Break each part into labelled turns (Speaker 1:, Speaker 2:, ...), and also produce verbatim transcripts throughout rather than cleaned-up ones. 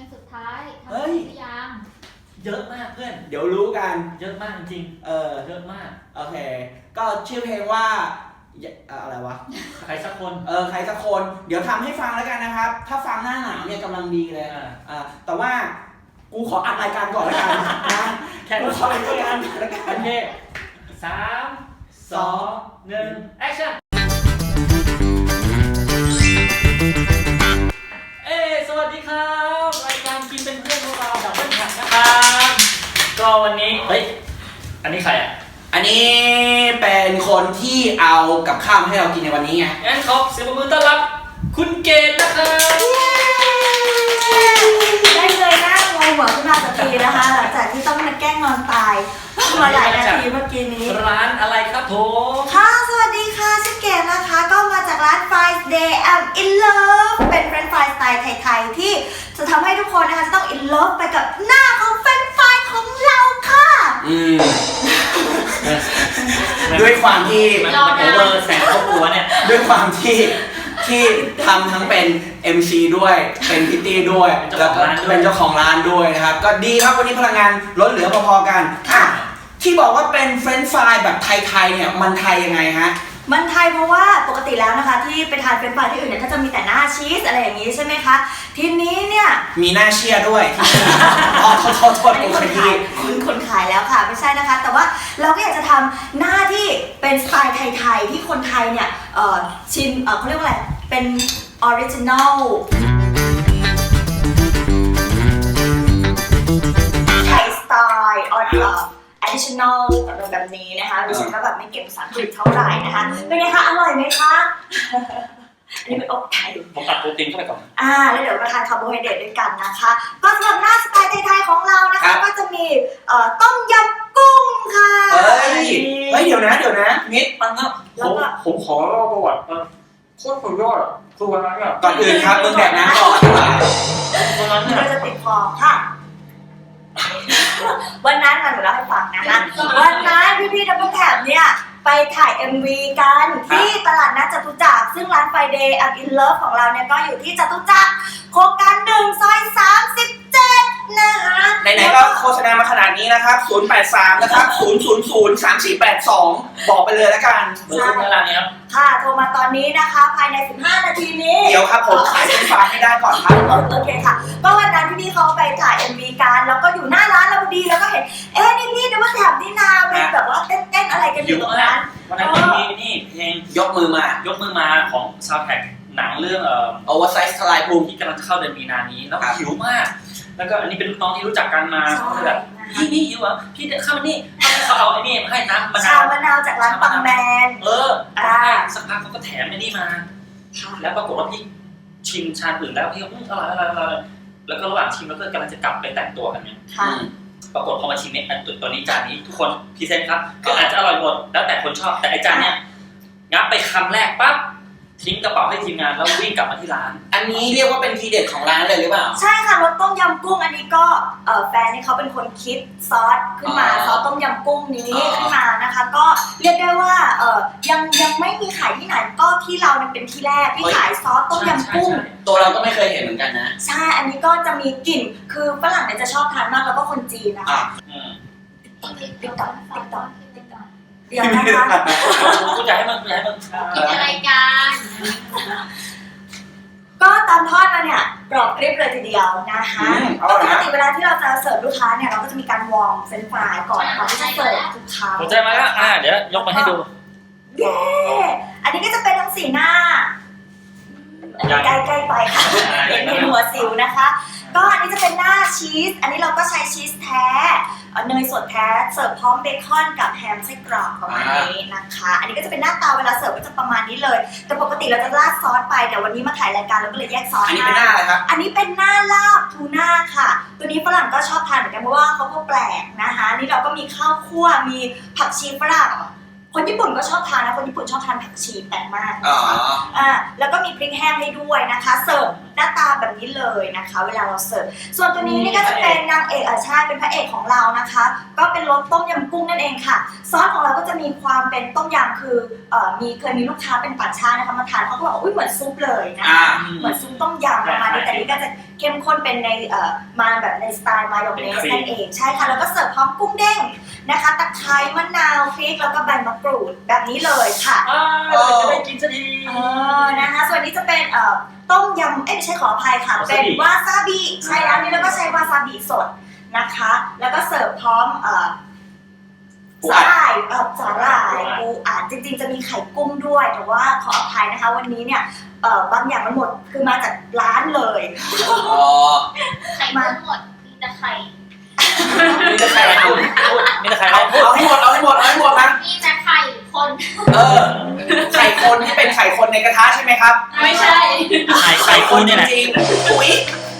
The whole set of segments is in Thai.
Speaker 1: สุดท้ายทำ
Speaker 2: เฮ้ย
Speaker 1: หรือยัง
Speaker 3: เยอะมากเพื่อน
Speaker 2: เดี๋ยวรู้กัน
Speaker 3: เยอะมากจริง
Speaker 2: เออ
Speaker 3: ๆเยอะมาก
Speaker 2: โอเค ก็ชื่อเพลงว่าอย่าเอ่ออะไรวะ
Speaker 3: ใครสักคน
Speaker 2: เออ ใครสักคน เดี๋ยวทำให้ฟังแล้วกันนะครับ ถ้าฟังหน้าหนาวเนี่ยกำลังดีเลย
Speaker 3: อ่า
Speaker 2: อ่าแต่ว่ากูขออัดรายการก่อนแล้วกันนะ
Speaker 3: แค่
Speaker 2: กู
Speaker 3: รู้
Speaker 2: ข
Speaker 3: ช
Speaker 2: อ
Speaker 3: อบ
Speaker 2: อัด
Speaker 3: ด้ว
Speaker 2: ราย ย
Speaker 3: กั
Speaker 2: การ
Speaker 3: น
Speaker 2: ก่อนแล้วกัน
Speaker 3: โอเคสามสองหนึ่งแอคชั่นเอ้สวัสดีครับรายการกินเป็นเพื่อนพวกเราดับเบิลหักนะครับก็วันนี้เฮ้ยอันนี้ใครอ่ะ
Speaker 2: อันนี้เป็นคนที่เอากับข้าวมาให้เรากินในวันนี้ไง
Speaker 3: งั้นขอเสียงปรบมือต้อนรับคุณเกณฑ์นะครับ
Speaker 4: ได้เลยหน้างงหัวขึ้นมาสักทีนะคะหลังจากที่ต้องมาแกล้งนอนตายมาหลายนาทีเมื่อกี้นี้
Speaker 3: ร้านอะไรครับผม
Speaker 4: ค่ะสวัสดีค่ะชื่อเกดนะคะก็มาจากร้าน Fries Day I'm in love เป็นเฟรนช์ฟรายสไตล์ไทยๆที่จะทำให้ทุกคนนะคะจะต้อง in love ไปกับหน้าของเฟรนช์ฟรายของเราค่ะ
Speaker 2: อืม ด้วยความที่
Speaker 3: มันมันโอเวอร์แสงครอบครัวเนี่ย
Speaker 2: ด้วยความที่ที่ทำทั้งเป็น เอ็ม ซี ด้วยเป็นพิตตี้ด้วย
Speaker 3: เป็น
Speaker 2: แล้
Speaker 3: เจ้าว ของ
Speaker 2: ก็
Speaker 3: ร้านด้วย
Speaker 2: เป็นเจ้าของร้านด้วยนะครับ ก็ดีครับวันนี้พลังงานล้นเหลือพอๆกันอ่ะที่บอกว่าเป็นเฟรนช์ฟรายแบบไทยๆเนี่ยมันไทยยังไงฮะ
Speaker 4: มันไทยเพราะว่าปกติแล้วนะคะที่ไปทานเฟรนช์ฟรายที่อื่นเนี่ยก็จะมีแต่หน้าชีสอะไรอย่างนี้ใช่ไหมคะทีนี้เนี่ย
Speaker 2: มีหน้าเชียร์ด้วย อ๋อโทษโทษโทษ
Speaker 4: อัน
Speaker 2: กู
Speaker 4: นี้ค
Speaker 2: ข
Speaker 4: น
Speaker 2: ยี้
Speaker 4: ขายคุณคนขายแล้วค่ะไม่ใช่นะคะ แต่ว่าเราก็อยากจะทำหน้าที่เป็นสไตล์ไทยๆที่คนไทยเนี่ยเอ่อชิมเอ่อเขาเรียกว่าอะไรเป็นออริจินอลไทยสไตล์ออริจินอล additional แบบนี้นะคะดิฉันก็แบบไม่เก่งภาษาอังกฤษเท่าไหร่นะคะเป็นไงคะอร่อยไหมคะ อันนี้เป็นอกไก่
Speaker 3: ผมตัดโปรตีนเข้าไปก่อน
Speaker 4: อ่าแล้วเดี๋ยวมาทานคาร์โบไฮเดรตด้วยกันนะคะก็สำหรับหน้าสไตล์ไทยๆของเรานะ
Speaker 2: ครั
Speaker 4: คะ
Speaker 2: บ
Speaker 4: ก็จะมีเอ่อต้มยำกุ้งค่ะ
Speaker 2: เฮ้ยเฮ้ยเดี๋ยวนะเดี๋ยวนะนิด
Speaker 3: ปังครับ
Speaker 4: แล้วก็
Speaker 3: ผมขอเล่าประวัติโคตรสุดยอดอ่ะคือวันนั้นอ่ะ
Speaker 2: ก่อนอื่นครับมึงแดกน้ำก่อน
Speaker 3: วันนั้น
Speaker 4: มัน
Speaker 3: เนี่ย
Speaker 4: ก็จะติดคอค่ะ วันนั้นมาหนูเล่าให้ฟังนะคะวันนั้นพี่ๆดับเบิลแถบเนี่ยไปถ่าย เอ็ม วี กันที่ตลาดนัดจตุจักรซึ่งร้าน Friday I'm in love ของเราเนี่ยก็อยู่ที่จตุจักรโครงการหนึ่งซอยสามสิบเจ็ดนะคะ
Speaker 2: ไหนๆก็โฆษณามาขนาดนี้นะครับศูนย์ แปด สามนะครับศูนย์ ศูนย์ ศูนย์ สาม สี่ แปด สองบอกไปเลยแล้วกัน
Speaker 3: เบอร์คุณเวลานี้ครับ
Speaker 4: ค่ะโทรมาตอนนี้นะคะภายในสิบห้านาทีนี้
Speaker 2: เดี๋ยวครับผมขายเป็นฟาร์มให้ได้ก่อนครับ
Speaker 4: โอเคค่ะก็วันนั้นพี่ๆเขาไปถ่าย เอ็ม วี กันแล้วก็อยู่หน้าร้านเราพอดีแล้วก็เห็นเอ๊ะนี่พี่เดี๋ยวมาแถบนี่นาเป็นแบบว่าเต้นๆอะไรกันอยู่ตรงนั้น
Speaker 3: วันนั้นมีนี่เพลง
Speaker 2: ยกมือมาย
Speaker 3: กมือมาของซาวด์แทร็กหนังเรื่องเอ่อ
Speaker 2: โอเวอร์ไซส์ทลายภูมิ
Speaker 3: ที่กำลังจะเข้าเดือนมีนานี้แล้ว
Speaker 2: ครับ
Speaker 3: หิวมาก แล้วก็อันนี้เป็นลูกน้องที่รู้จักกันมาเขาเลยแบบพี่นี่หิวอ่ะพี่เดินเข้ามานี่เขาเอาไอ้นี่มาให้น้ำมะ
Speaker 4: ชาน
Speaker 3: าว
Speaker 4: มะนาวจากร้านปังแมน
Speaker 3: เออ
Speaker 4: อ่า
Speaker 3: สักพักเขาก็แถมไอ้นี่มา แล้วปรากฏว่าพี่ชิมชาอื่นแล้วพี่ก็อืมอร่อยอร่อยอร่อยแล้วก็ระหว่างชิมแล้วก็กำลังจะกลับไปแต่งตัวกันเนี่ย
Speaker 4: ค่ะ
Speaker 3: ปรากฏพอมาชิมเนี่ยอันตัวนี้จานนี้ทุกคนพรีเซนต์ครับก็อาจจะอร่อยหมดแล้วแต่คนชอบแต่ไอ้จานเนี้ยงับไปคำแรกปั๊บทิ้งกระเป๋าให้ทีมงานแล้ววิ่งกลับมาที่ร้าน
Speaker 2: อันนี้เรียกว่าเป็นทีเด็ดของร้านเลยหรือเปล่า
Speaker 4: ใช่ค่ะรสต้มยำกุ้งอันนี้ก็เอ่อแฟนนี่เขาเป็นคนคิดซอสขึ้นมา
Speaker 2: อ๋อ
Speaker 4: ซอสต้มยำกุ้งนี้
Speaker 2: อ๋อ
Speaker 4: ขึ้นมานะคะ ก็เรียกได้ว่าเอ่อยังยังไม่มีขายที่ไหนก็ที่เราเนี่ยเป็นที่แรกที่ขายซอสต้มยำกุ้ง
Speaker 2: ตัวเราก็ไม่เคยเห็นเหมือนกันนะ
Speaker 4: ใช่ อันนี้ก็จะมีกลิ่น คือฝรั่งเนี่ยจะชอบทานมากแล้วก็คนจีนนะ
Speaker 2: อ่ะ
Speaker 4: คะ
Speaker 3: อืม
Speaker 4: ติ๊กต๊อกติ๊กต๊อกเดี๋ยวนะคะ
Speaker 3: กูอยากให้มึงกูอยากให้มึง
Speaker 1: กินอะไรกัน
Speaker 4: ก็ตอนทอดมาเนี่ยกรอบกริบเลยทีเดียวนะคะ
Speaker 2: อืมเอา
Speaker 4: ป
Speaker 2: ละ
Speaker 4: กติเวลาที่เราจะเสิร์ฟลูกค้าเนี่ยเราก็จะมีการวอร์มเฟรนช์ฟรายก่อนก่อนที่จะเสิร์ฟทุกครั้ง
Speaker 3: หัวใจมาแล้วอ่าเดี๋ยวยกมาให้ดู
Speaker 4: เย้ อันนี้ก็จะเป็นทั้งสีหน้า
Speaker 3: ยัง
Speaker 4: ใกล้ๆไปค่ะ
Speaker 3: อ่า
Speaker 4: เห็นหัวสิวนะคะ ก็อันนี้จะเป็นหน้าชีส อันนี้เราก็ใช้ชีสแท้เอ่อเนยสดแท้ เสิร์ฟพร้อมเบคอนกับแฮมไส้กรอกประมาณนี้นะคะ อันนี้ก็จะเป็นหน้าตาเวลาเสิร์ฟก็จะประมาณนี้เลย แต่ปกติเราจะราดซอสไป แต่วันนี้มาถ่ายรายการเราก็เลยแยกซอส
Speaker 2: อันนี้เป็นหน้าอะไรครับ
Speaker 4: อันนี้เป็นหน้าลาบทูน่าค่ะ ตัวนี้ฝรั่งก็ชอบทานเหมือนกันเพราะว่าเขาก็แปลกนะคะ นี่เราก็มีข้าวคั่ว มีผักชีฝรั่ง คนญี่ปุ่นก็ชอบทานนะ คนญี่ปุ่นชอบทานผักชีแปลกมาก
Speaker 2: อ๋อ
Speaker 4: นะคะอ่าแล้วก็มีพริกแห้งให้ด้วยนะคะ เสิร์ฟน้าตาแบบนี้เลยนะคะ เวลาเราเสิร์ฟส่วนตัวนี้นี่ก็จะเป็นนางเอกอ่ะใช่เป็นพระเอกของเรานะคะ ก็เป็นรสต้มยำกุ้งนั่นเองค่ะซอสของเราก็จะมีความเป็นต้มยำคือเอ่อมีเคยมีลูกค้าเป็นต่างชาตินะคะมาทานเขาก็บอกว่าอุ้ยเหมือนซุปเลยนะคะเหมือนซุปต้มยำประมาณนี้แต่นี่ก็จะเข้มข้นเป็นในเอ่อมาแบบในสไตล์มายองเนสนั่นเองใช่ค่ะแล้วก็เสิร์ฟพร้อมกุ้งเด้งนะคะตะไคร้มะนาวพริกแล้วก็ใบมะกรูดแบบนี้เลยค่ะ
Speaker 3: อ้าวจะได้กินสักที
Speaker 4: เออนะคะส่วนนี้จะเป็นเอ่อต้มยำเอ้ยไม่ใช่ขออภัยค่ะเป็นวาซาบิใช่แล้วนี่แล้วก็ใช้วาซาบิสดนะคะแล้วก็เสิร์ฟพร้อมเอ่อสาหร่ายเอ่อสาหร่ายปูอัดจริงๆจะมีไข่กุ้งด้วยแต่ว่าขออภัยนะคะวันนี้เนี่ยเอ่อบางอย่างมันหมดคือมาจากร้านเลย
Speaker 2: อ๋อ
Speaker 1: ไข่กุ้งหมดมีแต่ไข่
Speaker 2: มีแต่ไข่เอา
Speaker 3: มีแต่ใคร
Speaker 2: เอาเอาให้หมดเอาให้หมดเอาให้หมดนะ
Speaker 1: มีแต่ไข่คน
Speaker 2: เออไข่คนที่เป็นไข่คนในกระทะใช่ไหมครับ
Speaker 1: ไม่ใช่
Speaker 3: ไข่ไข่คุณเนี่ยแหละ
Speaker 2: จริงๆอุ๊ย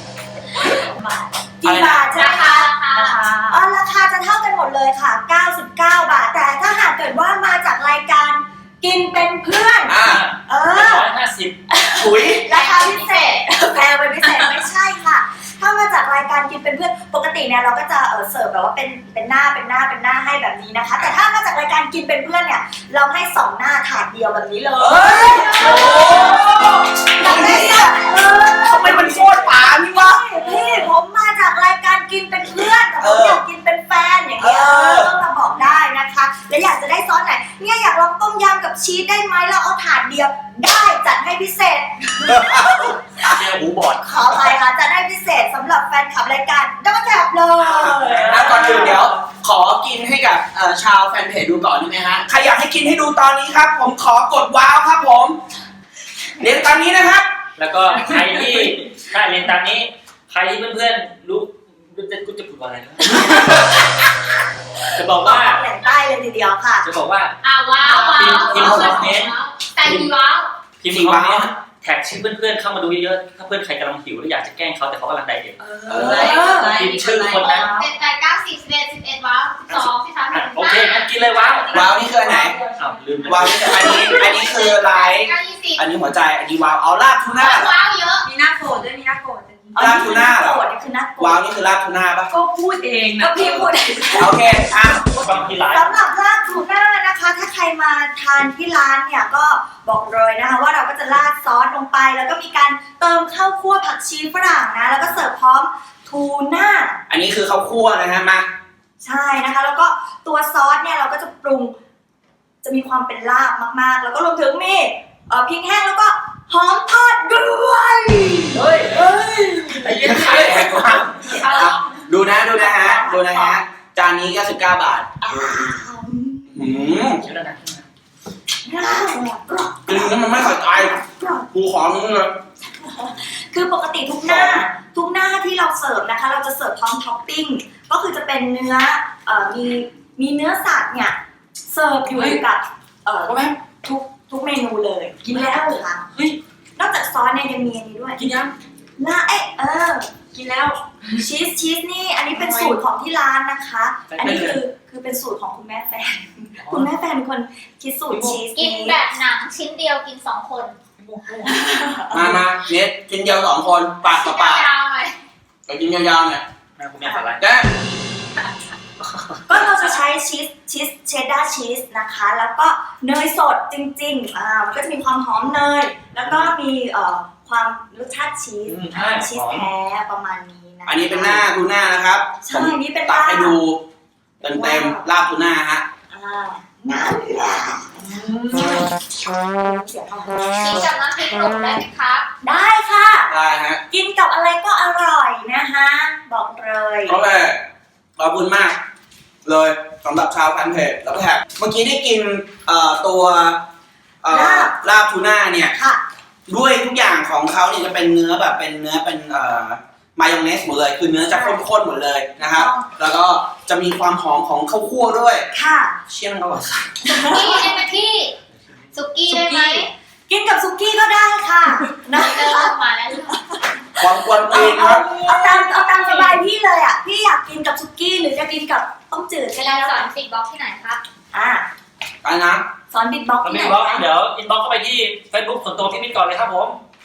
Speaker 4: กี่บาทใช่ไหม
Speaker 1: รา
Speaker 4: คะ
Speaker 1: คาราคา
Speaker 4: อ๋อราคาจะเท่ากันหมดเลยค่ะเก้าสิบเก้าบาทแต่ถ้าหากเกิดว่ามาจากรายการกินเป็นเพื่อน
Speaker 2: อ่า
Speaker 4: เอ
Speaker 3: ร้
Speaker 4: อ
Speaker 3: อยห้าสิบ
Speaker 2: อุ๊ย
Speaker 4: ราคาพิเศษแพงเป็นพิเศษไม่ใช่ค่ะ ถ้ามาจากรายการกินเป็นเพื่อนปกติเนี่ยเราก็จะเออเสิร์ฟแบบว่าเป็นเป็นหน้าเป็นหน้าเป็นหน้าให้แบบนี้นะคะ แต่ถ้ามาจากรายการกินเป็นเพื่อนเนี่ยเราให้สองหน้าถาดเดียวแบบนี้เลย
Speaker 2: เอ้ยโอ้โห
Speaker 4: แบบนี้อ่ะเออ
Speaker 2: ทำไมมันโคตรป๋านี่วะ
Speaker 4: พี่ผมมาจากรายการกินเป็นเพื่อนแต่ผมอยากกินเป็นแฟนอย่างเงี้ย
Speaker 2: เออ
Speaker 4: ต้องมาบอกได้นะคะแล้วอยากจะได้ซอสไหนเนี่ยอยากลองต้มยำกับชีสได้ไหมเราเอาถาดเดียวได้จัดให้พิเศษ
Speaker 3: เจอหูบอด
Speaker 4: ขอไปค่ะจะได้พิเศษสำหรับแฟนคลับรายการดับเบิลแท็บเลย
Speaker 2: แล้วก่อนอื่นเดี๋ยว ขอกินให้กับเอ่อชาวแฟนเพจดูก่อนได้ไหมฮะ ใครอยากให้กินให้ดูตอนนี้ครับ ผมขอกดว้าวครับผมเดี๋ยวตอนนี้นะครับ
Speaker 3: แล้วก็ใครที่ได้เรียนตามนี้ ใครที่เพื่อนๆรู้จะกูจะพูดว่าอะไรนะจะบอก
Speaker 4: บอก
Speaker 3: ว่า
Speaker 4: แหล่งใต้เลยทีเดียวค่ะ
Speaker 3: จะบอกว่า
Speaker 1: อ่าว้าวว้าว
Speaker 3: พิมพ์คอมเมนต์
Speaker 1: แต่มีว้าว
Speaker 3: พิมพ์คอมเมนต์แท็กชื่อเพื่อนๆเข้ามาดูเยอะๆถ้าเพื่อนใครกำลังหิวหรืออยากจะแกล้งเขาแต่เขากำลังไดเอท
Speaker 4: เอ
Speaker 2: เอ
Speaker 4: อ
Speaker 2: อ
Speaker 3: พิมพ์ชื่อคนนั้น
Speaker 1: เจ็ดแปดเก้าสิบสิบเอ็ดสิบเอ็ดว้าวสิบสองสิบสามสิบ
Speaker 3: อ่ะ
Speaker 1: สี่
Speaker 3: โอเคงั้นกินเลยว้าว
Speaker 2: ว้าวนี่คืออันไหน
Speaker 3: อ้าวลืมเลย
Speaker 2: ว้าวนี่คืออันนี้อันนี้คือไลท์
Speaker 1: เก้ายี่สิบ
Speaker 2: อันนี้หัวใจอันนี้ว้าวเอาลาบทูน่า
Speaker 1: ว้าวเยอะ
Speaker 5: มีหน้าโกรธด้วยมีหน้าโกรธด้วย
Speaker 2: ลาบทูน่าเหรอ
Speaker 4: โกรธนี่คือน่าโกร
Speaker 2: ว้าว
Speaker 4: ธ
Speaker 2: นี่คือลาบทูน่าปะ
Speaker 5: ก็พูดเอง
Speaker 4: ก็
Speaker 5: นะ
Speaker 4: พี่พูด
Speaker 2: โอเคอ่ะ
Speaker 3: บางทีไลฟ์
Speaker 4: สำหรับลาดทูน่านะคะ ถ้าใครมาทานที่ร้านเนี่ยก็บอกเลยนะคะว่าเราก็จะราดซอสลงไป แล้วก็มีการเติมข้าวคั่วผักชีฝรั่งนะ แล้วก็เสิร์ฟพร้อมทูน่า
Speaker 2: อันนี้คือข้าวคั่วนะฮะมา
Speaker 4: ใช่นะคะ แล้วก็ตัวซอสเนี่ยเราก็จะปรุง จะมีความเป็นลาบมากๆ แล้วก็รวมถึงมีเอ่อพริกแห้งแล้วก็หอมทอดด้วย
Speaker 3: เฮ้ย
Speaker 4: เฮ้ย
Speaker 3: ไอ้เหี้ย
Speaker 2: ขายแพงมากอ่ะดูนะดูนะฮะดูนะฮะจานนี้เก้าสิบเก้าบาทอืม
Speaker 3: เชื่อแล้วนะ
Speaker 4: น่ากรอบ
Speaker 2: กินแล้วมันไม่เข้าใจ
Speaker 4: กรอบ
Speaker 2: กูขอมึงเลย
Speaker 4: คือปกติทุกหน้าทุกหน้าที่เราเสิร์ฟนะคะ เราจะเสิร์ฟพร้อมท็อปปิ้งก็คือจะเป็นเนื้อเอ่อมีมีเนื้อสัตว์เนี่ยเสิร์ฟอยู่กับเอ่อทุกทุกเมนูเลยกินแล้วค่ะ
Speaker 3: เฮ้ย
Speaker 4: นอกจากซอสเนี่ยยังมีอันนี้ด้วย
Speaker 3: กินยัง
Speaker 4: หน้าเอ๊ะเออ
Speaker 5: กินแล้ว
Speaker 4: ชีสชีสนี่อันนี้เป็นสูตรของที่ร้านนะคะ อันนี้คือคือเป็นสูตรของคุณแม่แฟน คุณแม่แฟนเป็นคนคิดสูตรชีส
Speaker 1: กิน
Speaker 4: นี้
Speaker 1: แบบหนังชิ้นเดียวกินสองคน
Speaker 2: มามาเน็ตกินเดียวสองคนปากต่อปาก
Speaker 1: ยาวๆหน่อย
Speaker 2: ไปกินยาวๆเนี่ย
Speaker 3: แม่คุณแม่สาระ
Speaker 2: แจ๊
Speaker 4: ก็เราจะใช้ชีสชีสเชดดาร์ชีสนะคะ แล้วก็เนยสดจริงๆอ่ามันก็จะมีความหอมเนย แล้วก็มีเอ่อความรสชาติชีส
Speaker 3: อืมใช่
Speaker 4: ชีสแท้ประมาณนี้นะ
Speaker 2: อันนี้เป็นหน้าทูน่านะครับ
Speaker 4: ใช่อันนี้เป็น
Speaker 2: ตัก
Speaker 4: ลาบ
Speaker 2: ให้ดูเต็มเต็มๆลาบทูน่าฮะ
Speaker 4: อ่าน้ำลาเสียงอะไร
Speaker 1: กินกับน้ำพริกหนุ่มได้ไหมครับ
Speaker 4: ได้ค่ะ
Speaker 2: ได้ฮะ
Speaker 4: กินกับอะไรก็อร่อยนะคะบอกเลย
Speaker 2: โอเคขอบคุณมาก เลยสำหรับชาวแฟนเพจแล้วก็แท็กเมื่อกี้ได้กินเอ่อตัวเอ่อลาบทูน่าเนี่ย
Speaker 4: ค่ะ
Speaker 2: ด้วยทุกอย่างของเขาเนี่ยจะเป็นเนื้อแบบเป็นเนื้อเป็นเอ่อมายองเนสหมดเลยคือเนื้อจะข้นๆหมดเลยนะครับ แล้วก็จะมีความหอมของข้าวคั่วด้วย
Speaker 4: ค่ะ
Speaker 2: เชี่ยมันอร่อยสัส
Speaker 1: สุกี้ได้ไหมพี่สุกี้ได้ไหม
Speaker 4: กินกับซุกี้ก็ได้ค่ะนะ
Speaker 1: เริ่
Speaker 4: คะ
Speaker 1: มมาแล้ว
Speaker 2: ความกวน
Speaker 4: เอา
Speaker 2: ตีนค
Speaker 4: เอา
Speaker 2: รับ
Speaker 4: เอาตามเอาตามสบายพี่เลยอ่ะพี่อยากกินกับซุกี้หรือจะกินกับต้มจืดก็
Speaker 1: เรา
Speaker 4: ได้
Speaker 1: ส
Speaker 4: แล้ว
Speaker 1: อน
Speaker 4: กัน
Speaker 1: ติดบล็อกที่ไหนครับ
Speaker 4: อ่า
Speaker 2: ไปนะ
Speaker 4: สอนบิดบ็อกซ์
Speaker 3: ถ้า
Speaker 4: ที่
Speaker 3: มี
Speaker 4: ไหน
Speaker 3: บล็อก
Speaker 4: คะ
Speaker 3: เดี๋ยวอินบ็อกเข้าไปที่ Facebook ส่วนตัวพี่มิตรก่อนเลยครับผม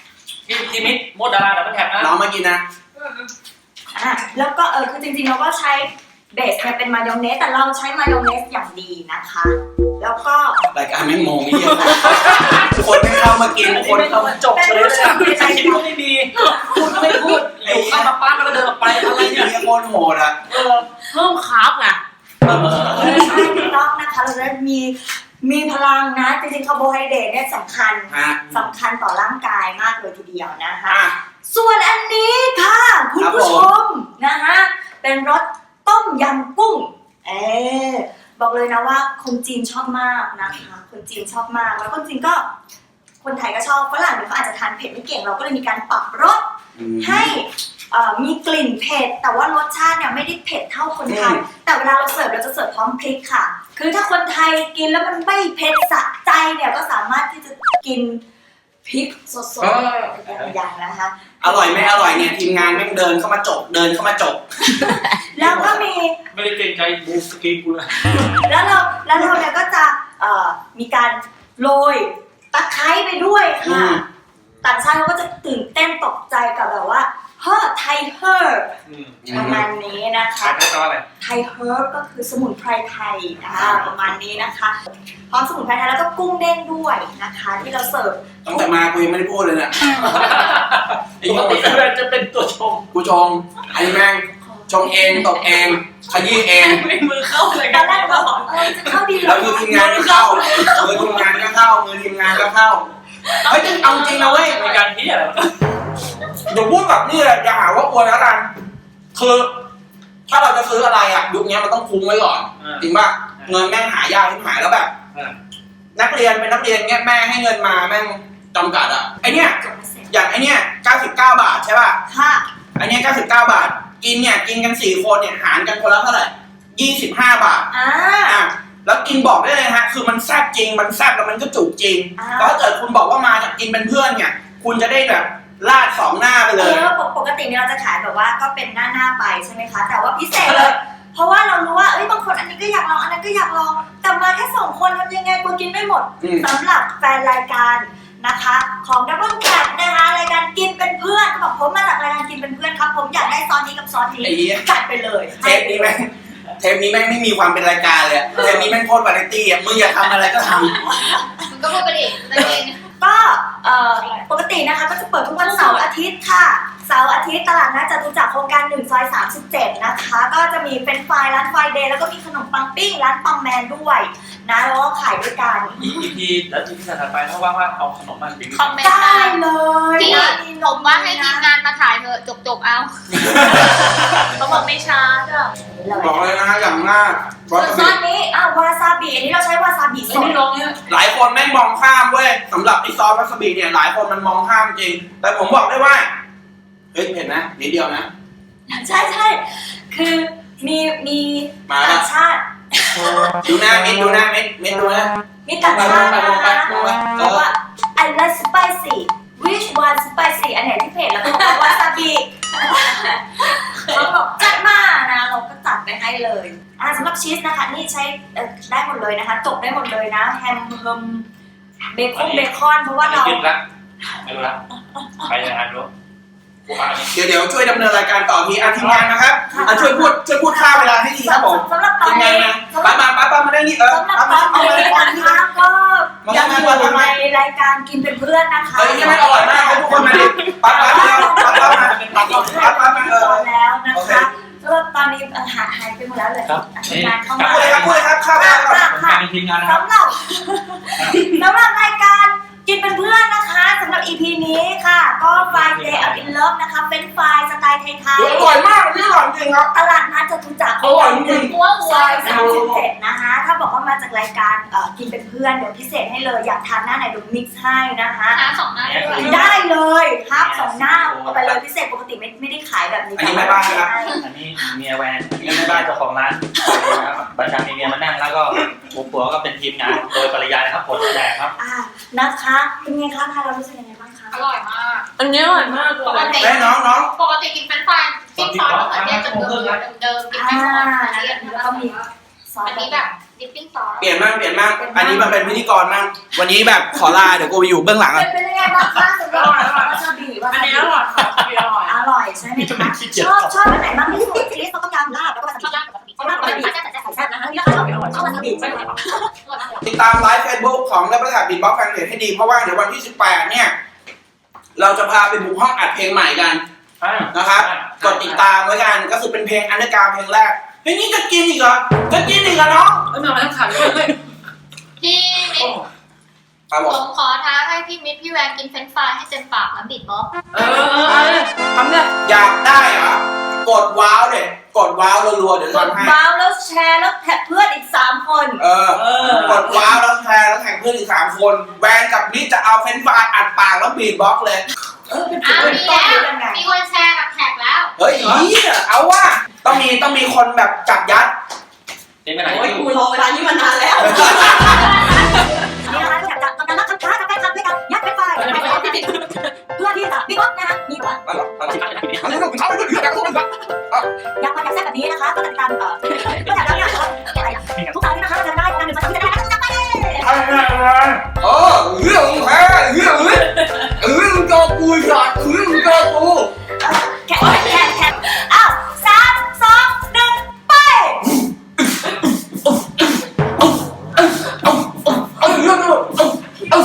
Speaker 3: พี่พี่มิตรโมดดาราดับเบิลแท็บนะ
Speaker 2: น้องมากินนะ
Speaker 4: อ่ะแล้วก็เออคือจริงๆเราก็ใช้เบสเนี่ยเป็นมายองเนสแต่เราใช้มายองเนสอย่างดีนะคะ แล้วก็
Speaker 2: รายการแม่งโมงเยี่ยมคนไม่เข้ามากินคนเข้ามา
Speaker 3: จบเฉยเลยอะไม่ใช่คิดว่าไม่มีคุณก็ไม่พูดอยู่เข้ามาป้าแล้วก็เดินออกไปอะไร
Speaker 2: ไอ้
Speaker 3: เนี่ย
Speaker 2: เหี้ยโคตรโหดอ่ะ
Speaker 3: เออ
Speaker 5: เพิ่มคาร์บไง
Speaker 3: เออ
Speaker 4: ใช่ถูกต้องนะคะเราจะได้มีมีพลังนะจริงๆคาร์โบไฮเดรตเนี่ยสำคัญ
Speaker 2: ฮะ
Speaker 4: สำคัญต่อร่างกายมากเลยทีเดียวนะคะ
Speaker 2: อ่ะ
Speaker 4: ส่วนอันนี้ค่ะคุณ
Speaker 2: ครับ
Speaker 4: ผู้ช
Speaker 2: ผม
Speaker 4: มนะคะเป็นรสต้มยำกุ้งเออบอกเลยนะว่าคนจีนชอบมากนะคะคนจีนชอบมากแล้วคนจีนก็คนไทยก็ชอบฝรั่งเนี่ยเขาอาจจะทานเผ็ดไม่เก่งเราก็เลยมีการปรับรส
Speaker 2: อืม
Speaker 4: ให้เอ่อมีกลิ่นเผ็ดแต่ว่ารสชาติเนี่ยไม่ได้เผ็ดเท่าคนไทย
Speaker 2: อืม
Speaker 4: แต่เวลาเราเสิร์ฟเราจะเสิร์ฟพร้อมพริกค่ะ คือถ้าคนไทยกินแล้วมันไม่เผ็ดสะใจเนี่ยก็สามารถที่จะกินพริกสดๆอย่างๆนะคะ
Speaker 2: อร่อยไม่อร่อยเนี่ยทีมงานแม่งเดินเข้ามาจบเดินเข้ามาจบ
Speaker 4: แล้วก็มี
Speaker 3: ไม่ได้เกรงใจบูสกีกูเลย
Speaker 4: แล้วเราแล้วเราเนี่ยก็จะเอ่อมีการโรยตะไคร้ไปด้วย
Speaker 2: อื
Speaker 4: ค่ะ
Speaker 2: ม
Speaker 4: ต่างชาติเขาก็จะตื่นเต้นตกใจกับแบบว่าเฮ้อไทยเฮิร์บประมาณนี้นะคะ
Speaker 3: ขายได้ตอนอะไร
Speaker 4: ไทยเฮิร์บก็คือสมุนไพรไทยอ่าประมาณนี้นะคะพร้อมสมุนไพรไทยแล้วก็กุ้งเด้งด้วยนะคะ ที่เราเสิร์ฟ
Speaker 2: ตั้งแต่มากูยังไม่ได้พูดเลยเนี่ยไอ้
Speaker 3: ป
Speaker 2: เหี้
Speaker 3: ก
Speaker 2: ย
Speaker 3: ติจะเป็นตัวชง
Speaker 2: กูชงไอ้แม่งชงเองตบเองขยี้เอง
Speaker 5: ไม่มือเข้าเลย
Speaker 4: ตอนแรกเราบอกเออจะเข้าดี
Speaker 2: แล้วคือทีมงานก็เข้ามือทีมงานก็เข้ามือทีมงานก็เข้าเฮ้ยเอาจริงนะเว้ย
Speaker 3: มีการที่อะไร
Speaker 2: เดี๋ยวพูดแบบนี้แหละอย่าหาว่าอวยแล้วกันคือถ้าเราจะซื้ออะไรอ่ะยุคนี้มันต้องคุ้มไว้ก่อนจริงป่ะเงินแม่งหายากที่หายแล้วแบบ นักเรียนเป็นนักเรียนเงี้ยแม่ให้เงินมาแม่งจำกัดอ่ะไอเนี้ยอย่างไอเนี้ยเก้าสิบเก้าบาทใช่ป่ะ
Speaker 4: ค่ะ
Speaker 2: ไอเนี้ยเก้าสิบเก้าบาทกินเนี่ยกินกันสี่คนเนี่ยหารกันคนละเท่าไหร่ยี่สิบห้าบาท
Speaker 4: อ่า
Speaker 2: อ่ะแล้วกินบอกได้เลยฮะคือมันแซ่บจริงมันแซ่บแล้วมันก็จุกจริง
Speaker 4: อ่า
Speaker 2: แล้วถ้าเกิดคุณบอกว่ามาจากกินเป็นเพื่อนเนี่ยคุณจะได้แบบลาดสองหน้าไป
Speaker 4: เอ
Speaker 2: เลย
Speaker 4: อปกปกติเนี่ยเราจะขายแบบว่าก็เป็นหน้าหน้าๆไปใช่ไหมคะ แต่ว่าพิเศษเลย เพราะว่าเรารู้ว่าเอ้ยบางคนอันนี้ก็อยากลองอันนั้นก็อยากลองแต่มาแค่สองคนทำยังไงกลัวกินไม่หมด
Speaker 2: อืม
Speaker 4: สำหรับแฟนรายการนะคะของ Double Cat นะคะรายการกินเป็นเพื่อนเขาบอกผมมาจากรายการกินเป็นเพื่อนครับผมอยากได้ซอสนี้กับซอสนี้
Speaker 2: ไอ้เหี้ย
Speaker 4: จัดไปเลย
Speaker 2: เทปนี้แม่งเทปนี้แม่งไม่มีความเป็นรายการเลยอะเทปนี้แม่งโคตรวาไรตี้อ่ะมึงอยากทำอะไรก็ทำ
Speaker 1: มึงก็พูดไปดิตัวเอง
Speaker 4: ก็เอ่อปกตินะคะก็จะเปิดทุกวันเสาร์อาทิตย์ค่ะเสาร์อาทิตย์ตลาดนัดจตุจักรโครงการหนึ่งซอยสามสิบเจ็ดนะคะก็จะมีเป็นไฟร้านไฟเดย์แล้วก็มีขนมปังปิ้งร้านปังแมนด้วยนะแล้วก็ขายด้วยกัน
Speaker 3: อีพีแล้วอีพีถัดไปถ้าว่างๆเอาขนมมาปิ้ง
Speaker 1: คอมเมนต์
Speaker 4: ได้
Speaker 1: มา
Speaker 4: เลย
Speaker 1: พี่
Speaker 4: นะ
Speaker 1: ผมว่าให้ทีมงานมาถ่ายเถอะจบๆเอา
Speaker 5: เขาบอกไม่ช้าจ้ะ
Speaker 2: บอกเลยนะฮะอย่างมากวา
Speaker 4: ส่วน
Speaker 2: ซา
Speaker 4: ซอ
Speaker 2: บิ
Speaker 4: สนี้อ่ะวาซาบิอันนี้เราใช้วาซาบิส
Speaker 5: ไม่
Speaker 4: ด
Speaker 5: ลงเนี่ย
Speaker 2: หลายคนแม่งมองข้ามเว้ยสำหรับไอซอสวาซาบิเนี่ยหลายคนมันมองข้ามจริง แต่ผมบอกได้ว่าเฮ้ยเห็นนะนิดเดียวนะ
Speaker 4: ใช่ใช่คือมีมี
Speaker 2: มา
Speaker 4: ต่า
Speaker 2: ละ
Speaker 4: งชาติ
Speaker 2: ดูหน้าเม็ดดูหน้าเม็ดเม็ดดูนะ
Speaker 4: มีต่างชาติ
Speaker 2: ไป
Speaker 4: นะ
Speaker 2: ลงไป
Speaker 4: คะ
Speaker 2: ลงไป
Speaker 4: บอกว่า I like spicy which one spicy อันไหนที่เผ็ดแล้วก็บอกว่าวาซาบิเขาบอกจัดมานะเราก็จัดไปให้เลยอ่ะสำหรับชีสนะคะนี่ใช้เอ่อได้หมดเลยนะคะจบได้หมดเลยนะแฮมเฮิมเบคอนเบคอนเพราะว่าเรา
Speaker 3: ขึ้นละไม่รู้ละไปยังไงรู้กูอ่านนี่
Speaker 2: เดี๋ยวเดี๋ยวช่วยดำเนินรายการต่อทีอ่ะทีมงานนะครับอ่ะช่วยพูดช่วยพูดค่าเวลาให้ทีครับผม
Speaker 4: สำหรับตอ
Speaker 2: ที
Speaker 4: น
Speaker 2: มงา
Speaker 4: นี้
Speaker 2: นนะ
Speaker 4: สำห
Speaker 2: ป้า
Speaker 4: รับ
Speaker 2: มาป้าป้ามาได้นี่เออ
Speaker 4: สำหรับ
Speaker 2: เอา
Speaker 4: ต
Speaker 2: มา
Speaker 4: อน
Speaker 2: เอา
Speaker 4: นี้
Speaker 2: มาเอามา
Speaker 4: นะคะก็ยังอยู่ในรายการกินเป็นเพื่อนนะคะ
Speaker 2: เฮ้ยนี่มันอร่อยมากเลยทุกคนมาดิป้าป้ามาป้าป้ามาป้าป้าป้ามาเออ
Speaker 4: แล้วนะคะสำหรับตอนนี้เอ่อหายหายไปหมดแล้วเลยทีมงานเข้ามา
Speaker 2: พูดเลยครับพูดเลยครับข้าว
Speaker 4: ค่ะ
Speaker 2: ข้าว
Speaker 4: ค่ะค่ะ
Speaker 3: เป็นทีมงานนะครับ
Speaker 4: สำหรับสำหรับรายการกินเป็นเพื่อนนะคะสำหรับ อี พี นี้ค่ะ ก็ Friday Up in Love นะคะเป็นไฟล์สไตล์ไทย
Speaker 2: อร่อยมากนี่อร่อยจริงครับ
Speaker 4: ๆตลาดนัดจตุจักร
Speaker 2: อร่อยจริง
Speaker 1: หัวหั
Speaker 4: ซ
Speaker 1: ว
Speaker 4: อยสามสิบเจ็ดนะคะ ถ้าบอกว่ามาจากรายการเอ่อกินเป็นเพื่อนเดี๋ยวพิเศษให้เลยอยากทานหน้าไหนเดี๋ยวมิกซ์ให้นะคะ
Speaker 1: หาสองหน้าด้วย
Speaker 4: ได้เลยครับสองหน้าเอาไปเลยพิเศษปกติไม่ไม่ได้ขายแบบนี้
Speaker 2: อันนี้ไม่บ้านนะครับ
Speaker 3: อันนี้เมียแวนนี่ไม่บ้านเจ้าของร้านประจำมีเมียมานั่งแล้วก็ผัวก็เป็นทีมงานโดยปริยายนะครับผลแดกครับ
Speaker 4: อ่านะคะเป็นไงคะทานเรารู้สึกยังไงบ้างคะ
Speaker 1: อร่อยมาก
Speaker 5: อันนี้อร่อยมากเล
Speaker 1: ปก
Speaker 5: ย
Speaker 1: ติ
Speaker 2: แม่น้องน้อง
Speaker 1: ปกติกินเป็นไฟรายจิ้มซอสมะเขือเทศเดิมๆเดิมๆกินไม่หมดเรียน
Speaker 4: แล้วก็มีซอส
Speaker 1: อันนี้แบบดิปปิ้งซอส
Speaker 2: เปลี่ยนบ้างเปลี่ยนบ้างอันนี้มันเป็นพิธีกรบ้างวันนี้แบบขอลาเดี๋ยวกูไปอยู่เบื้องหลัง
Speaker 4: เป็
Speaker 2: อ่ะ
Speaker 4: นเป็นยังไงบ้างคะสำหรับวาซาบิวา
Speaker 5: อัน
Speaker 4: ซาบิ
Speaker 5: นี้อร่อยค่ะอันนี้อร่อย
Speaker 4: อร่อยใช่ไหมคะชอบชอบอันไหนมากที่สุดชีสต้มยำลาบแล้วก็วาซาบิ
Speaker 1: ชอบย่างกับวาซาบิ
Speaker 4: ชอบลาบวาซาบิใส่แซ่บนะคะนี่ก็ชอบชอบวาซาบิใช่ไหมคะ
Speaker 2: ติดตามไลฟ์เฟซบุ๊กของนักประกาศบินบ็อกแฟนเพจให้ดีเพราะว่าเดี๋ยววันที่สิบแปดเนี่ยเราจะพาไปบุกห้องอัดเพลงใหม่กันนะครับกดติดตามไว้กันก็คือเป็นเพลงอันเดอร์กราวด์เพลงแรกเฮ้ยนี่จะกินอีกเหรอจะกินอีกเหรอน้อง
Speaker 3: เอ้ยมาทั้งขันเลยเฮ้ย
Speaker 1: พี่มิตร
Speaker 2: ครับผ
Speaker 1: ผม มขอท้าให้พี่มิตรพี่แวนกินเฟรนช์ฟรายให้เต็มปากแล้วบิดบ็อกซ์
Speaker 3: เออเออเออทำเนี่ย
Speaker 2: อยากได้เหรอกดว้าวเด็ดกดว้าวรัวๆเดี๋ยว
Speaker 4: กด
Speaker 2: ทำให้
Speaker 4: ว้าวแล้วแชร์แล้วแท็กเพื่อนอีกสามคน
Speaker 2: เออ
Speaker 3: เออก
Speaker 2: ดว้าวแล้วแชร์แล้วแข่งเพื่อนอีกสามคนแวนกับนี่จะเอาเฟรนช์ฟรายอัดปากแล้วบีทบ็อกซ์เลย
Speaker 4: เออเป็น
Speaker 1: อ้าว
Speaker 4: เป็น
Speaker 1: มี
Speaker 4: ต้น
Speaker 1: แล้ว
Speaker 4: หรือยังไง
Speaker 1: มีคนแชร์กับแท็กแล้ว
Speaker 2: เฮ้ยเนี่ยเอาว่าต้องมีต้องมีคนแบบจับยัด
Speaker 3: เป็นไปไหน
Speaker 5: โอ้ย
Speaker 3: อยู่
Speaker 5: กูรอเวลานี้มานานแล้ว
Speaker 4: นี่นะคะอยากจะทำการรับคำท้ากับแฟนคลับด้วยกันยัดเป็นไฟล์เพื่อที่จะบิ๊กบ็อกนะคะมีหัว
Speaker 2: อะไรอะไรอะไรต้องเขาไม่ต้องอยากรู้มัน
Speaker 4: อยากมาอยากแซ่บแบบนี้นะคะก็ติดตามเอ่อก็อยากรับนะคะทุกครั้งนะคะเราจะได้การหนึ่งสองสามสี่ห้าหกเจ็ดแปดเก้า
Speaker 2: เออเรื่องแพ้เรื่องเรื่องจอกูหยอดเรื่องจอกู
Speaker 4: แข่งแข่งแข่งอ้าวสามสองหนึ่งไป
Speaker 2: เอาเรื่องเอาเอาเอา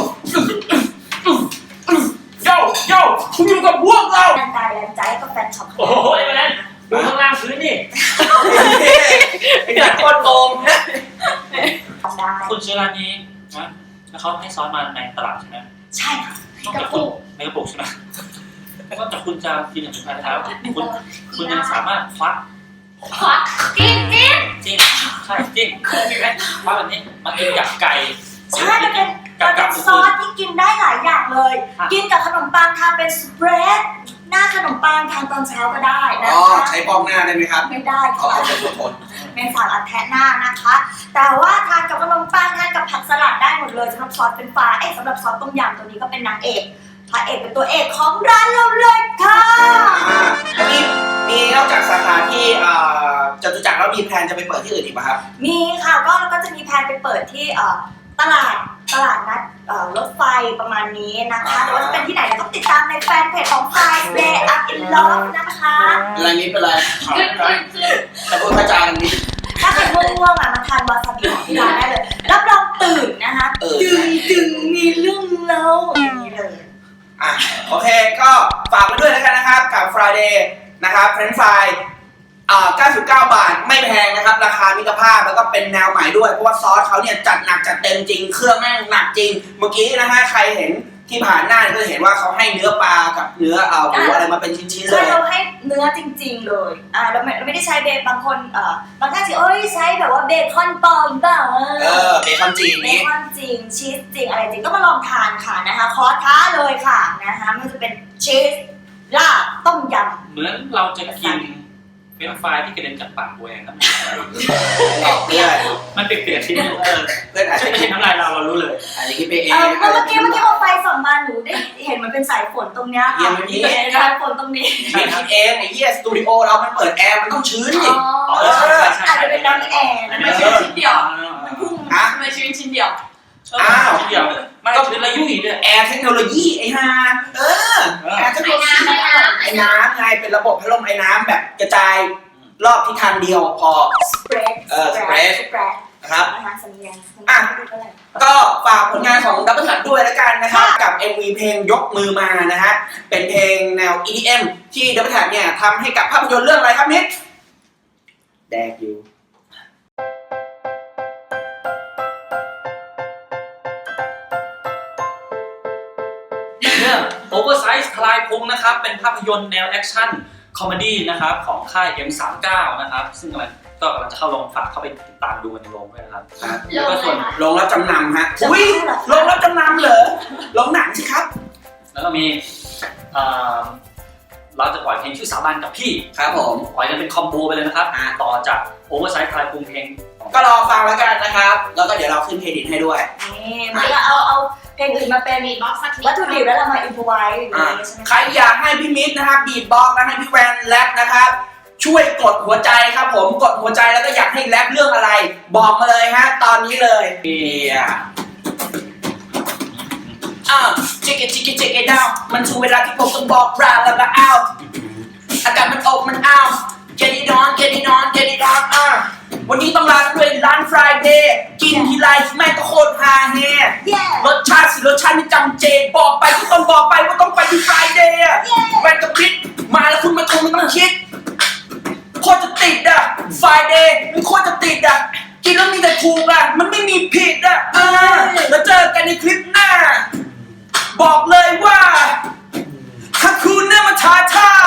Speaker 2: โย่โย่คุณอยู่กับพวกเรา
Speaker 4: แรงกายแรงใจก็แฟนช็อป
Speaker 3: โอ้โหไอ้แมนดูข้างล่างพื้นนี่
Speaker 2: ไอ้โคตรโกง
Speaker 4: ได้
Speaker 3: คุณซื้อร้านนี้นะแล้วเขาให้ซอสมาในตลาดใช่ไหม
Speaker 4: ใช่ค่ะ
Speaker 3: ต้องกระปุกในกระปุกใช่ไหมก็แต่คุณจะกินอย่างสุดท้ายแล้วคุณคุณยังสามารถควัก
Speaker 1: ขอกินกิน
Speaker 3: จิ้มใช่จิ้มควักแบบนี้มากินกับไก่
Speaker 4: ใช่มันเป็นมันเป็นซอสที่กินได้หลายอย่างเลย กินกับขนมปังทานเป็นสเปรดหน้าขนมปังทานตอนเช้าก็ได้นะ
Speaker 2: อ๋อ
Speaker 4: คะ
Speaker 2: ใช้ปองหน้าได้ไหมครับ
Speaker 4: ไม่ได้
Speaker 2: เอา
Speaker 4: ค่ะ
Speaker 2: เอาเป็นทน
Speaker 4: เป็นสารอัดแทะหน้านะคะ แต่ว่าทานกับขนมปังทานกับผักสลัดได้หมดเลยสำหรับซอสเป็นฟ้าเอ๊ะสำหรับซอสต้มยำตัวนี้ก็เป็นนางเอกพระเอกเป็นตัวเอกของร้านเราเลยค่ะ
Speaker 2: อันนี้มีนอกจากสาขาที่จตุจักรแล้วมีแพลนจะไปเปิดที่อื่นอีกป่ะครับ
Speaker 4: มีค่ะก็เราก็จะมีแพลนไปเปิดที่เอ่อตลาดตลาดนัดเอ่อรถไฟประมาณนี้นะคะแต่ว่าจะเป็นที่ไหนเราต้องติดตามในแฟนเพจของ Five Day Up in Love นะคะ
Speaker 2: เป็นไรนิดเป็นไร
Speaker 1: ขึ้นขึ้นขึ้น
Speaker 2: แต่พูดกระจายกันนิด
Speaker 4: ถ้าใครง่วงๆอ่ะมาทานวาซาบิของที่ร้านได้เลยรับรองตื่นนะคะ
Speaker 2: เออ
Speaker 4: ดึงดึงมีเรื่องเล่าอย่างนี้เลย
Speaker 2: อ่ะโอเคก็ฝากไว้ด้วยแล้วกันนะครับกับ Friday นะครับเฟรนช์ฟรายอ่าเก้าสิบเก้าบาทไม่แพงนะครับราคามิตรภาพแล้วก็เป็นแนวใหม่ด้วยเพราะว่าซอสเขาเนี่ยจัดหนักจัดเต็มจริงเครื่องแม่งหนักจริงเมื่อกี้นะฮะใครเห็นที่ผ่านหน้าก็เห็นว่าเขาให้เนื้อปลากับเนื้อเอ่อหมูอะไรมาเป็นชิ้นๆเล
Speaker 4: คือย เราให้เนื้อจริงๆเลยอ่าเราไม่เราไม่ได้ใช้เบคบางคนเอ่อบางท่านสิเอ้ยใช้แบบว่าเบคอนปลอมเปล่า
Speaker 2: เออเบคอนจีน
Speaker 4: เบ
Speaker 2: นี้
Speaker 4: คอนจริงชีสจริงอะไรจริงก็มาลองทานค่ะนะคะขอท้าเลยค่ะนะคะไม่ว่าจะเป็นชีสลาบต้มยำ
Speaker 3: เหมือนเราจะกินเป็นไฟที่กระเด็นจากปากแหวงครับ
Speaker 2: หลอกเพื่อน
Speaker 3: มันเปลี่ยนๆที่เออ
Speaker 2: เพื่อนอาจจะ
Speaker 3: ไม่ใช่น้ำลายเราเรารู้เลย
Speaker 2: อาจจะคิดไปเอง
Speaker 4: เออเมื่อกี้เมื่อกี้เอาไฟส่องมาหนูได้เห็นมันเป็นสายฝนตรงเนี้ยค่ะสายฝนตรงนี้
Speaker 2: คิดเองไอ้เหี้ยสตูดิโอเรามันเปิดแอร์มันต้องชื้นดิ
Speaker 3: อ๋อใช่ใช่ใช่
Speaker 4: อาจจะเป็นน้ำแอร์
Speaker 5: ทำ
Speaker 4: นะ
Speaker 5: ไมชีวิตชิ้นเดียว
Speaker 4: มันพุ่ง
Speaker 2: ฮะ
Speaker 5: ทำไมชีวิตชิ้นเดียว
Speaker 2: อ้าว
Speaker 3: เดียวไม่ก็คือระยุ่ยด้วย
Speaker 2: แอร์เทคโนโลยีไอ้ห่าเออแอร์เทคโนโลยีไอ้น้ำไงเป็นระบบพัดลมไอ้น้ำแบบกระจายรอบทิศทางเดียวพอ
Speaker 4: สเปรด
Speaker 2: เออ spread
Speaker 4: สเปรด
Speaker 2: นะครับ
Speaker 4: นะคะสัญญาณ
Speaker 2: อ่ะ ก็ฝากผลงานของดับเบิลทัดด้วยแล้วกันนะครับกับ เอ็ม วี เพลงยกมือมานะฮะเป็นเพลงแนว อี ดี เอ็ม ที่ดับเบิลทัดเนี่ยทำให้กับภาพยนตร์เรื่องอะไรครับนิดแดกอยู่
Speaker 3: เรื่อง Oversize ทลายพุงนะครับเป็นภาพยนตร์แนวแอคชั่นคอมเมดี้นะครับของค่าย เอ็ม สามสิบเก้า นะครับซึ่งกำลังก็กำลังจะเข้าโรงฝากเข้าไปติดตามดูกันในโรงด้วยนะครับแล้วก็ส่วน
Speaker 2: ลงรับจำนำฮะอุ้ยลงรับจำนำเหรอลงหนังสิครับ
Speaker 3: แล้วก็มีเอ่อเราจะปล่อยเพลงชื่อสาบานกับพี่
Speaker 2: ครับผม
Speaker 3: ปล่อยกันเป็นคอมโบไปเลยนะครับต่อจาก Oversize ทลายพุงเพลง
Speaker 2: ก็รอฟังแล้วกันนะครับ แล้วก็เดี๋ยวเราขึ้นเครดิตให้ด้วย
Speaker 4: นี่มันก็เอาเอาเพลงอื่นมาเป็น
Speaker 1: บีทบ็อกซ์สักนิด
Speaker 4: วัตถุดิบแล้วเรามาอินพไว้อย่าง
Speaker 2: อ่า
Speaker 4: นี้ใช่ไหม
Speaker 2: ใครอยากให้พี่มิตรนะครับบีทบ็อกซ์และให้พี่แวนแรปนะครับช่วยกดหัวใจครับผมกดหัวใจแล้วก็อยากให้แรปเรื่องอะไร บอกมาเลยฮะตอนนี้เลยเฮียอ่ะจิกเกจิกเกจิกเกดาวมันถึงเวลาที่ผมต้องบอกราแล้วก็เอาอากาศมันอบมันอ้าว get it on get it on get it on อ่ะวันนี้ต้องลาด้วยร้าน Friday กินทีไรแม่งก็โคตรฮาเฮ
Speaker 4: Yeah
Speaker 2: รสชาติสิรสชาติไม่จำเจบอกไปก็ต้องบอกไปว่าต้องไปที่ Friday อ่ะแวนกับคิดมาแล้วคุณไม่คงไม่ต้องคิดโคตรจะติดอ่ะ Friday มันโคตรจะติดอ่ะกินแล้วมีแต่ถูกอ่ะมันไม่มีผิดอ่ะอ่าแล้วเจอกันในคลิปหน้าบอกเลยว่าถ้าคุณน่ามาท้าทาย